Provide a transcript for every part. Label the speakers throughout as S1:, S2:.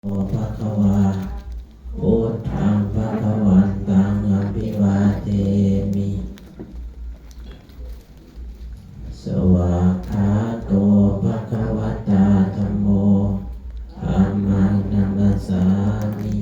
S1: โอภะคะวาพุทธังภะคะวันตังอภิวาเทมิสวากขาโตภะคะวะตาธัมโมธัมมังนัมมัสสามิ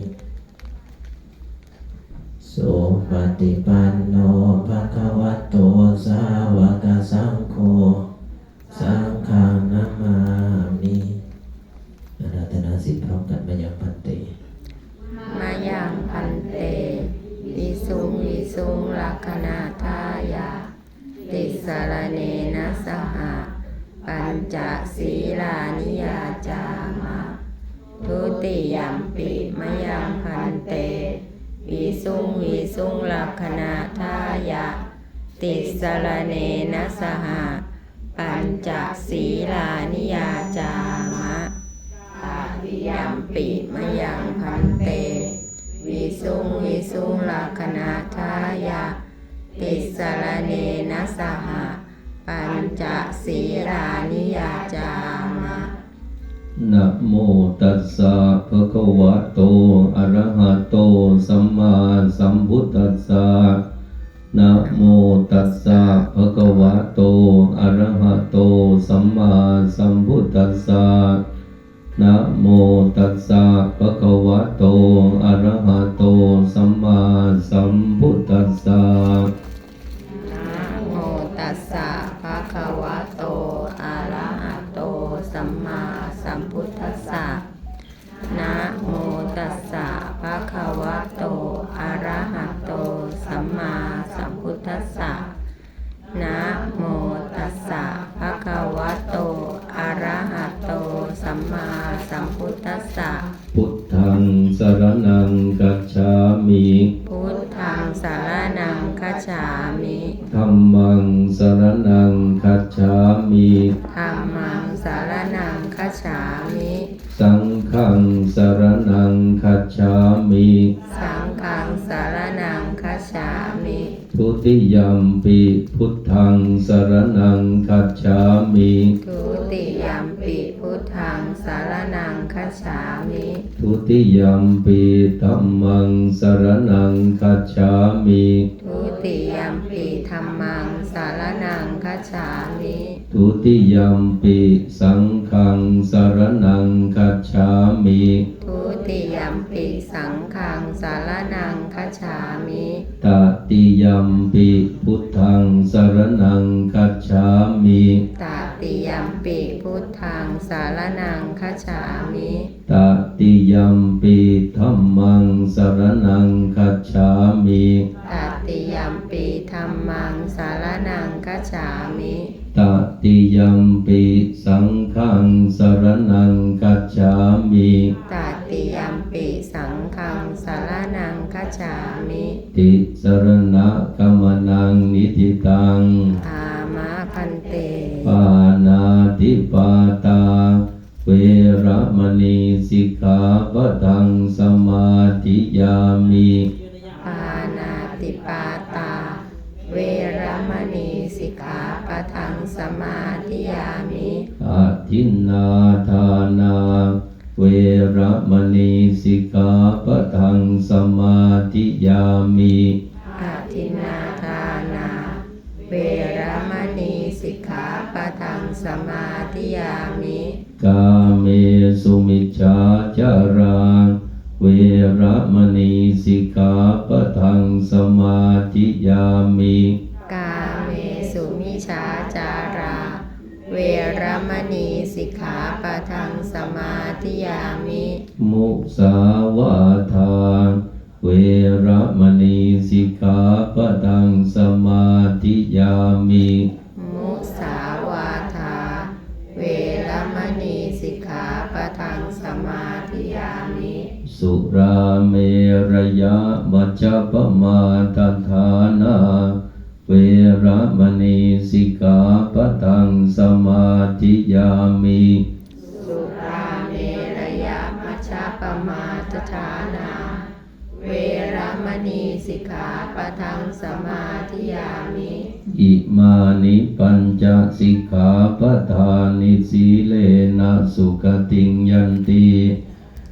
S1: สุปฏิปันโนภะคะวะโตสาวกสังโฆสังฆังนัมมามิอาราธนาศีลพร้อมกันมายังพันเต
S2: มายังพันเตวิสุงวิสุงลักขณาทายาติสรเนนะสหะปัญจศีลานิยาจามะทุติยัมปิมายังพันเตวิสุงวิสุงลักขณาทายาติสรเนนะสหะปัญจศีลานิยาจามะยัมปิมะยังพันเตวิสุงวิสุงลักขณาทายาติสรเนนะสหะปัญจศีลานิยาจามะ
S1: นะโมตัสสะภะคะวะโตอะระหะโตสัมมาสัมพุทธัสสะนะโมตัสสะภะคะวะโตอะระหะโตสัมมาสัมพุทธัสสะนะโมตัสสะภะคะวะโตอะระหะโตสัมมาสัมพุทธัสสะ
S2: นะโมตัสสะภะคะวะโตอะระหะโตสัมมาสัมพุทธัสสะนะโมตัสสะภะคะวะโตอะระหะโตสัมมาสัมพุทธัสสะนะโมตัสสะภะคะวะโตอะระหะโตสัมมาสัมพุทธัสสะ
S1: พุทธังสรณังคัจฉามิ
S2: พุทธังสรณังคัจฉามิ
S1: ธัมมังสรณังคัจฉามิ
S2: ธัมมังสรณังคัจฉามิ
S1: สังฆังสรณังคัจฉามิ
S2: สังฆังสรณังคัจฉามิ
S1: ทุติยัมปิพุทธังสรณังคัจฉามิ
S2: ทุติยัมปิพุทธังสรณังคัจฉามิ
S1: ทุติยัมปิธัมมังสรณังคัจฉามิ
S2: ทุติยัมปิธัมมังสรณังคัจฉามิ
S1: ทุติยัมปิสังฆังสรณังคัจฉามิ
S2: ทุติยัมปิสังฆังสรณังคัจฉามิ
S1: ตติยัมปิพุทธังสรณังคัจฉามิ
S2: ตติยัมปิพุทธังสรณังคัจฉามิ
S1: ตติยัมปิธัมมังสรณังคัจฉามิ
S2: ตติยัมปิธัมมังสรณังคัจฉามิ
S1: ตติยัมปิสังฆังสรณังคัจฉามิ
S2: ตติยัมปิสังฆังสรณังคัจฉามิ
S1: ติสรณะกัมมนังนิธิตัง
S2: อามะพันเต
S1: ปานาติปาตาเวระมณีสิกขาปะทังสมาธิยามิ
S2: ปานาติปาตาเวระมณีสิกขาปะทังสมาธิยามิ
S1: อาทินนาทานาเวระมณีสิกขาปะทังสมาธิยามิ
S2: อาทินนาทานาเวระมณีสิกขาปะทังสมาธิยามิ
S1: กาเมสุมิจฉาจาราเวระมณีสิกขาปะทังสมาธิยามิ
S2: กาเมสุมิจฉาจาราเวระมณีสิกขาปะทังสมาธิยามิ
S1: มุสาวาทาเวระมณีสิกขาปะทังสมาธิยามิ
S2: มุสาวาทาเวระมณีสิกขาปะทังสมาธิยามิ
S1: สุราเมรยะมัจจปมาทฐานาเวระมณีสิกขาปะทังสมาธิยามิ
S2: สุราเมรยะมัชฌัปปมาทฐานาเวระมณีสิกขาปะทังสมาธิยามิ
S1: อิมานิปัญจสิกขาปทานิสีเลนะสุขติงยันติ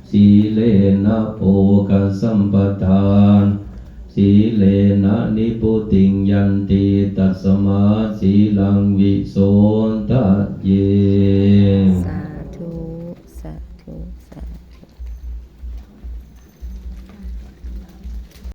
S1: สีเลนะโภคสัมปทานสีเลนะนิพุติงยันติตัสมาสีลังวิโสทะเย